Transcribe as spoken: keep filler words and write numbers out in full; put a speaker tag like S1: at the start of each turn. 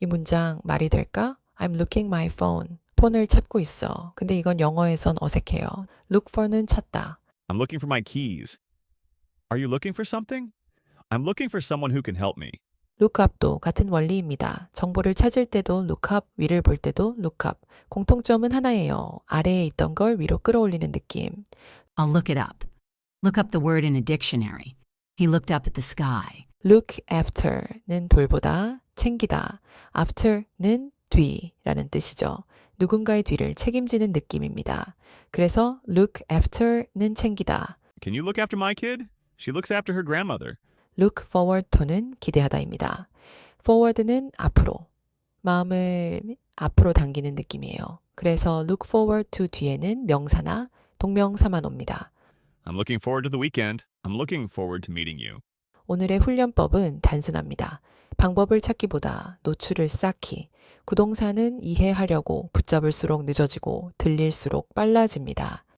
S1: 이 문장 말이 될까? I'm looking my phone. 폰을 찾고 있어. 근데 이건 영어에선 어색해요. look for는 찾다.
S2: I'm looking for my keys. Are you looking for something? I'm looking for someone who can help me.
S1: lookup도 같은 원리입니다. 정보를 찾을 때도 lookup, 위를 볼 때도 lookup. 공통점은 하나예요. 아래에 있던 걸 위로 끌어올리는 느낌.
S3: I'll look it up. Look up the word in a dictionary. He looked up at the sky.
S1: look after는 돌보다, 챙기다. after는 뒤라는 뜻이죠. 누군가의 뒤를 책임지는 느낌입니다. 그래서 look after는 챙기다.
S2: Can you look after my kid? She looks after her grandmother.
S1: look forward to는 기대하다입니다. forward는 앞으로, 마음을 앞으로 당기는 느낌이에요. 그래서 look forward to 뒤에는 명사나 동명사만 옵니다.
S2: I'm looking forward to the weekend. I'm looking forward to meeting you.
S1: 오늘의 훈련법은 단순합니다. 방법을 찾기보다 노출을 쌓기. 구동사는 이해하려고 붙잡을수록 늦어지고 들릴수록 빨라집니다.